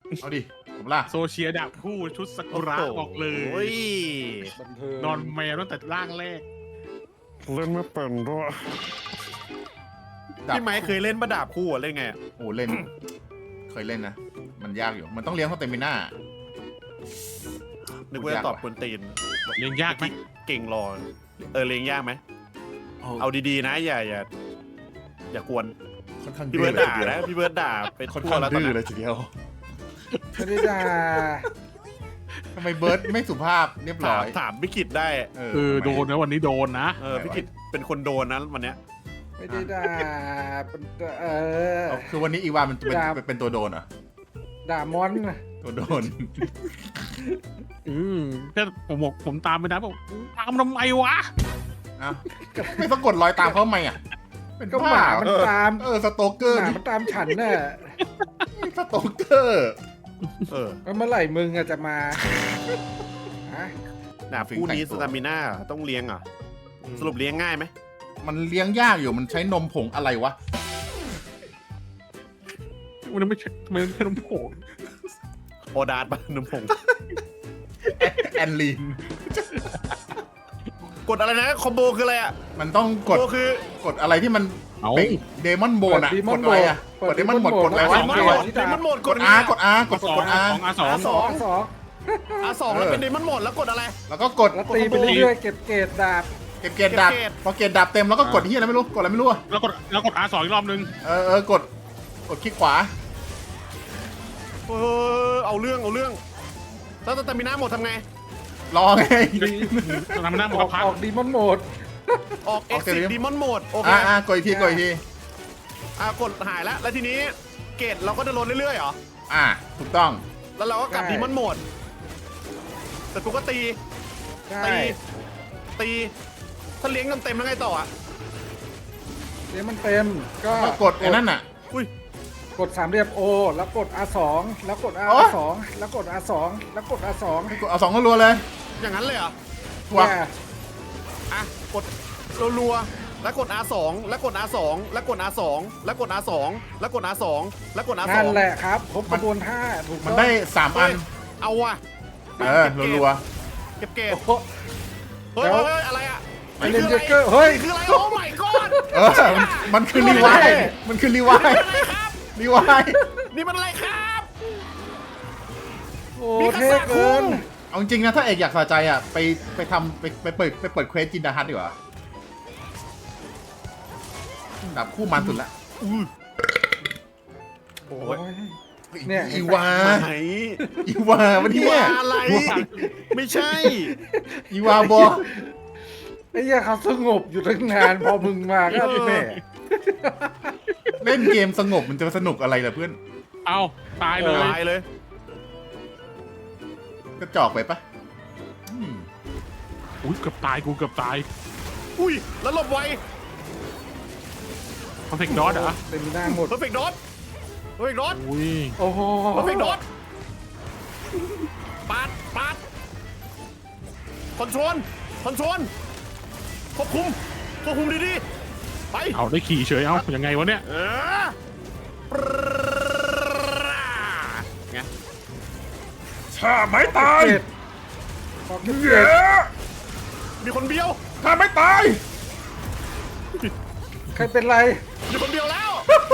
เอาดิผมล่ะโซเชียดาบคู่ชุดซากุระบอกเลยโอ้ยบันเทิงนอนแมวตั้งแต่ร่างแรกเล่นไม่เป็นด้วยดาบพี่ไม้เคยเล่นมาดาบคู่อะเล่นไงอะโอ้เล่น เคยเล่นนะ มันยากอยู่ มันต้องเลี้ยงสเตมิน่านึกว่าจะตอบกวนตีนเลี้ยงยากไหมเก่งรอเลี้ยงยากไหมเอาดีๆนะอย่ากวนค่อนข้างพี่ดื้เบิอร์ดเลยด่านะพี่เบิร์ดด่าเป็นค่อนทั่วข้างแล้วตอนดื้อนี้เลยทีเดียวไม่ได้ด่าทำไมเบิร์ดไม่สุภาพเรียบร้อยถามพี่กิตได้โดนนะวันนี้โดนนะพี่กิตเป็นคนโดนนะวันเนี้ยไม่ได้ด่าเป็นเออเอาคือวันนี้อีวานมันเป็นดาบเป็นตัวโดนเหรอด่ามอนตัวโดนแค่ผมตามไปนะบอกตามทำไมวะเอ้าไม่สะกดรอยตามเขาทำไมอ่ะ เป็นก็หมามันตามสโตเกอร์หมานี่มันตามฉันน่ะสโตเกอร์แล้วเมื่อไหร่มึงอะจะมาฮะดาบคู่นี้สตามิน่าต้องเลี้ยงเหรอ่ะสรุปเลี้ยงง่ายไหมมันเลี้ยงยากอยู่ มันใช้นมผงอะไรวะมันไม่ใช่น้ำโขงโอดาร์ดบ้านน้ำผงแอนลีนกดอะไรนะคอมโบคืออะไรอ่ะมันต้องกคอดมโบคือกดอะไรที่มันเอาเป็นเดมอนโบนอะกดอะไรอะกดเดมอนโบนกดอะไรเดวะมอนโหมดเดมอนโหมดกด R กด R กดสองกด R สองสอง R2 แล้วเป็นเดมอนโหมดแล้วกดอะไรแล้วก็กดแล้วตีไปเรื่อยๆเก็บเกรดดาบเก็บเกรดดับเก็บเกรดพอเกรดดับเต็มแล้วก็กดที่อะไรไม่รู้กดอะไรไม่รู้อะแล้วกด R2 อีกรอบนึงกดคลิกขวาเอาเรื่องแล้วสตามิน่าหมดทำไงรอไงทำหน้าหมอดอกพักออกดีมอนโหมดออก Exit Demon Mode โอเคกดอีกทีกดอีกทีกดหายแล้วแล้วทีนี้เกรดเราก็จะลดเรื่อยๆเหรอถูกต้องแล้วเราก็กลับ Demon Mode แต่กูก็ตีใช่ตีถ้าเลี้ยงเต็มๆแล้วไงต่ออ่ะเดี๋ยวมันเต็มก็ก็กดไอ้นั่นน่ะอุ้ยกดสามเหลี่ยม O แล้วกด R2 แล้วกดโอ๊ย R2 แล้วกด R2 แล้วกด R2 กดเอา2รัวๆเลยอย่างนั้นเลยเหรอถูกเนี่ยกดรัวๆแล้วกด R2 แล้วกด R2 แล้วกด R2 แล้วกด R2 แล้วกด R2 แล้วกด R2 นั่นแหละครับครบกระบวนท่าถูกมันต้องได้3อันเอาว่ะรัวเก็บเกรดโอ้โหเฮ้ยอะไรอ่ะไอเลนเจเกอร์เฮ้ยคืออะไรโอ้ my god มันคือรีไวล์มันคือรีไวล์อะไรครับรีไวล์นี่มันอะไรครับโอ้มีเท่คาซาคุเกินเอาจริงนะถ้าเอกอยากสะใจอ่ะไปทำไปเปิดเควสจินดาฮัทดีกว่าดับคู่มันสุดละโอ้โอ้ยย เนี่ยอีวาไหนอีวาวันนี้ว่าอะไร ไม่ใช่อีวาบอไอ้เหี้ยเขาสงบอยู่ตั้งนานพอมึงมาก็แม่เล่นเกมสงบมันจะสนุกอะไรล่ะเพื่อนเอาตายเลยตายเลยกระจอกไปปะอุ้ยเกือบตายกูเกือบตายอุ้ยแล้วหลบไวคอนเทคดอทเหรอเต็มหน้าหมดเพอร์เฟกต์ดอทเพอร์เฟกต์ดอทอุ้ยโอ้โหเพอร์เฟกต์ดอทปาดคอนโทรลควบคุมดีๆไปเอาได้ขี่เฉยเอายังไงวะเนี่ยไงถ้าไม่ตายเจ็ดขอเก็บเกรดมีคนเบี้ยวถ้าไม่ตายใครเป็นไรมีคนเบี้ยวแล้ว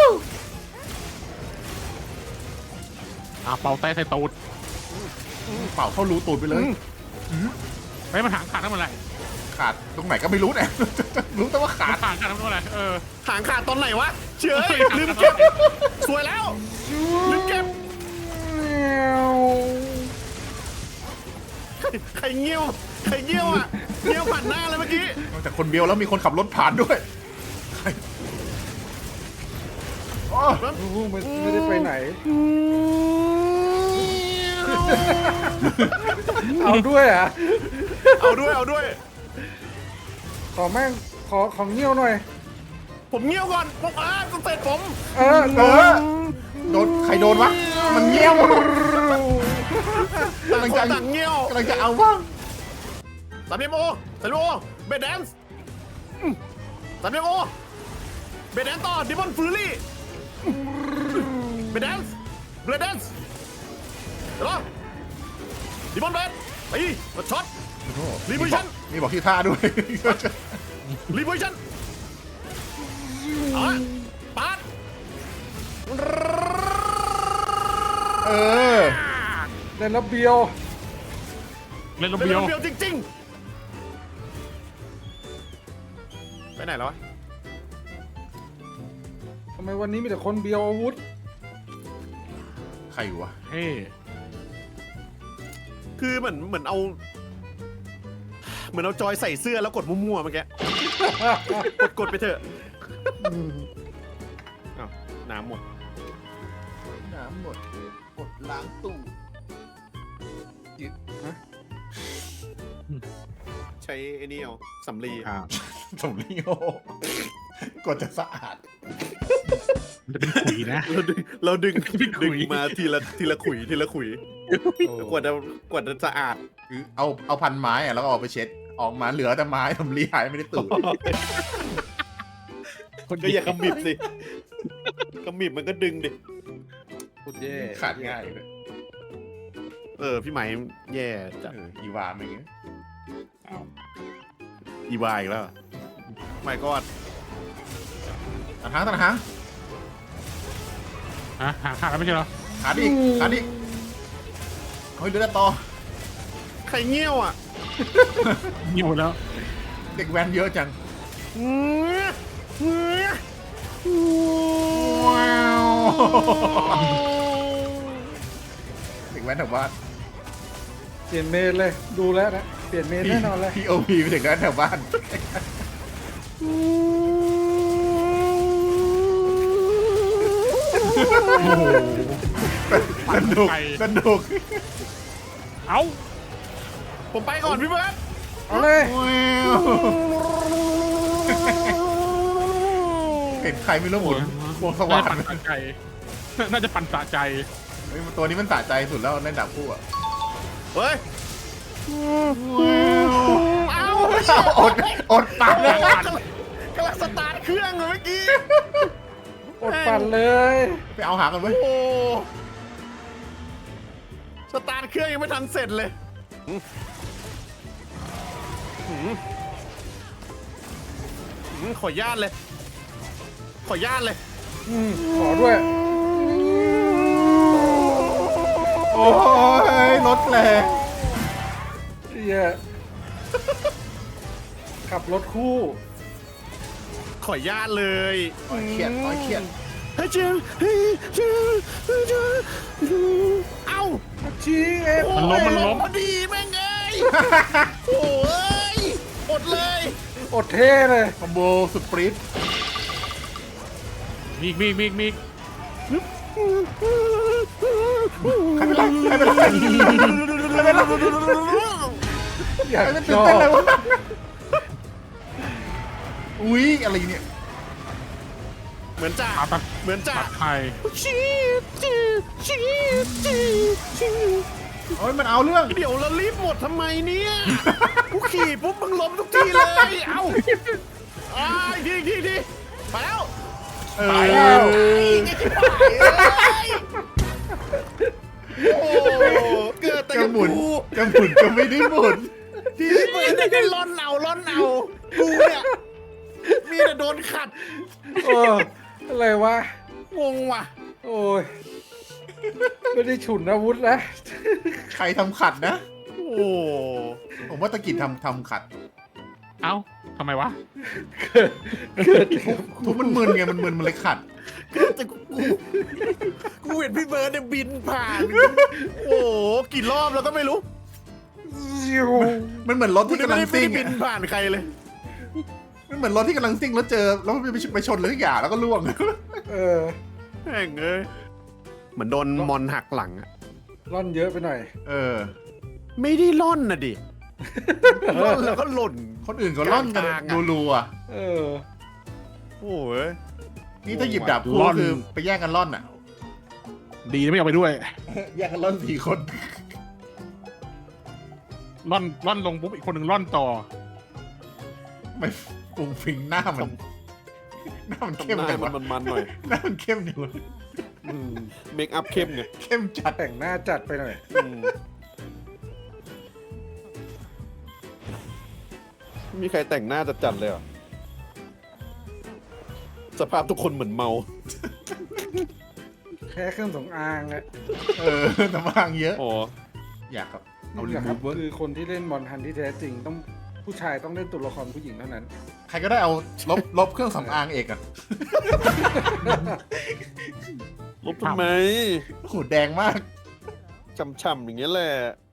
เป่าแต่ใส่ตูดเป่าเข้ารูตูดไปเลยไม่มาหางขาดทั้งหมดเลยขาดตรงไหนก็ไม่รู้เนี่ย รู้แต่ว่าขาดขาดทั้งหมดเลยหางขาดตอนไหนวะเฉยลืมเก็บสวยแล้วลืมเก็บใครเงี้ยวอ่ะเงี้ยวผ่านหน้าเลยเมื่อกี้นอกจากคนเบียวแล้วมีคนขับรถผ่านด้วยโอ้โอ้โหไม่ได้ไปไหน เอาด้วยอ่ะเอาด้วยขอแม่งของเงี้ยวหน่อยผมเงี้ยวก่อนต้องเสร็จผมเออโดนใครโดนวะมันเงี้ยวต่างคนต่างเงี้ยวกำลังจะเอาบ้างสามเหลี่ยมโอเบดแดนซ์สามเหลี่ยมโอเบดแดนซ์ต่อดิมอนฟูรี่เบดแดนซ์เดี๋ยวรอดิมอนเบสตีช็อตโอ้โห Revolution มีบอกที่ท่าด้วยรีเวอร์ชันเอาละปาดเออเล่นแล้วเบียวเล่นลมเป็นเบียวเบียวจริงๆไปไหนแล้ววะทำไมวันนี้มีแต่คนเบียวอาวุธใครวะเฮ้คือเหมือนเอาจอยใส่เสื้อแล้วกดมั่วๆเมื่อกี้ กดไปเถอะอ้าวน้ำหมดน้ำหมดกดล้างตู้ใช้ไอ้นี่เอาสำลีอ่าสมริโอ กดจะสะอาดมันจะเป็นขุยนะเราดึงเป็นขุดึยงมาทีละขุยกว่าจะสะอาดคือเอาพันไม้อะแล้วก็เอาไปเช็ด ออกมาเหลือแต่ไม้ทำรีหายไม่ได้ตูดก็อย่าขมิบสิขมิบมันก็ดึงดิพูดแย่ขาดง่ายเลยพี่ไหมแย่จัดอีวามันอย่างเงี้ยอีวายอีกแล้วไม่ก็ตัดหางตัดหางฮะหาขาดแล้วไม่ใช่เหรอขาดอีกขาดอีกเฮ้ยเดือดต่อใครเงี้ยวอ่ะมีหมดแล้วเด็กแว้นเยอะจังว้าวเด็กแว้นแถวบ้านเปลี่ยนเมนเลยดูแล้วนะเปลี่ยนเมนแน่นอนเลย POV ไปถึงกันแถวบ้านโอ้โหสนุกสนุกเอ้าผมไปก่อนพี่เบิร์ดเอาเลยว้าวเห็นใครไม่รู้หมุนวงสน่าว่าจะงปั่นสะใจน่าจะปั่นสะใจเฮ้ยตัวนี้มันสะใจสุดแล้วเล่นดาบคู่อะเฮ้ยว้าวอดปากเลยกำลังสตาร์ทเครื่องเลยเมื่อกี้อดปั่นเลยไปเอาหากันไว้โอ้สตาร์ทเครื่องยังไม่ทันเสร็จเลยขอญาตเลย ขอญาตเลยขอด้วยโอ้ยรถแรงเฮียขับรถคู่ขอญาตเลยเครียดเครียดเฮ้ยเจ้าเฮ้ยเจ้าเอ้าชี้เอ็มมันล้มพอดีแม่งเอ้ยโอ้ยอดเลยอดเท่เลยคอมโบสุดปริ๊ดมีอีกมีอีกใครเป็นไรใครเป็นไรใครเป็นไรอยากใครเป็นชตื่นอเต้นเลบยวะอุ้ยอะไรเนี่ยเหมือนจ่าปาตัดเหมือนจ่าปัดไทยโอ้ยมันเอาเรื่องเดี๋ยวเรารีบหมดทำไมเนี่ยกูขี่ปุ๊บมึงล้มทุกทีเลยเอ้าอีกทีไปแล้วเอไปอแล้วโอ้เกิดแต่จะกับหมุนกูจะหมุนก็ไม่ได้หมุนที่เปิดแต่ก็ร่อนเอากูเนี่ยมีแต่โดนขัดเอออะไรวะงงว่ะโอ้ยไม่ได้ฉุนอาวุธนะใครทำขัดนะโอ้ผมว่าตะกิดทำขัดเอ้าทำไมวะเกิดทุกมันมึนไงมันมึนมันเลยขัดแต่กูเห็นพี่เบิร์ดเนี่ยบินผ่านโอ้กี่รอบแล้วก็ไม่รู้ซิวมันเหมือนรถกูที่ไม่กำลังได้ซิ่งบิอะนผ่านใครเลยมันเหมือนรถที่กำลังซิ่งแล้วเจอแล้วมันไปชนเลยทุกอย่างแล้วก็ล่วงเออแม่งเอ้ยเหมือนโดนมอนหักหลังอะร่อนเยอะไปหน่อยเออไม่ได้ล่อนนะดิล่อนแล้วก็หล่นคนอื่นก็ล่อนกันกลางๆอะรัวเออโอ้ยๆนี่ถ้าหยิบดาบคู่ล่อนคือไปแย่งกันล่อนอ่ะดีนะไม่เอาไปด้วยแย่งกันล่อน4 คนร่อนลงปุ๊บอีกคนหนึ่งร่อนต่อไม่ฟุ้งฟิงหน้ามันเข้มหน้าจังมัวะนมันหน่อยหน้ามันเข้มจังวะเมคอัพเข้มไงเข้มจัดแต่งหน้าจัดไปหน่อยไม่มีใครแต่งหน้าจัดๆเลยเหรอสภาพทุกคนเหมือนเมาแค่เครื่องสำอางอะน้ำมันเยอะอ๋ออยากกับเอานี่รีแหละคมูรับฟเวิร์คือคนที่เล่นมอนทันที่แท้จริงต้องผู้ชายต้องเล่นตัวละครผู้หญิงเท่านั้นใครก็ได้เอาลบเครื่องสำอางเอกอะลบทำไมโอ้โหแดงมากช่ำๆอย่างเงี้ยแหละ